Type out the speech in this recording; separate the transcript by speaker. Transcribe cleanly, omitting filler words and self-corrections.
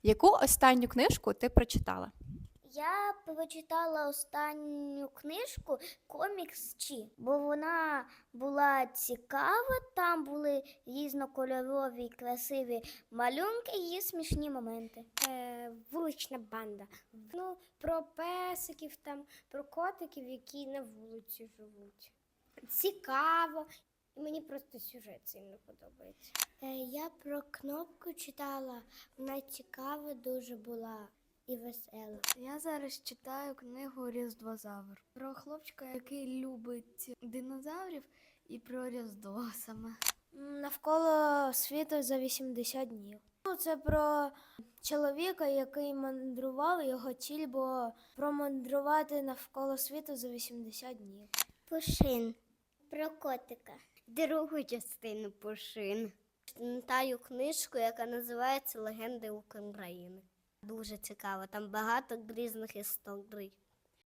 Speaker 1: Яку останню книжку ти прочитала?
Speaker 2: Я прочитала останню книжку «Комікс Чі», бо вона була цікава, там були різнокольорові красиві малюнки і смішні моменти.
Speaker 3: Вулична банда. Ну, про песиків, там, про котиків, які на вулиці живуть. Цікаво. І мені просто сюжет сильно подобається. Я про Кнопку читала, вона цікава дуже була і весела.
Speaker 4: Я зараз читаю книгу «Різдвозавр» про хлопчика, який любить динозаврів, і про Різдво саме.
Speaker 3: Навколо світу за 80 днів. Це про чоловіка, який мандрував, його ціль було промандрувати навколо світу за 80 днів.
Speaker 2: Пушин. Про котика.
Speaker 3: Другу частину Пушин.
Speaker 2: Читаю книжку, яка називається «Легенди України». Дуже цікаво, там багато різних історій.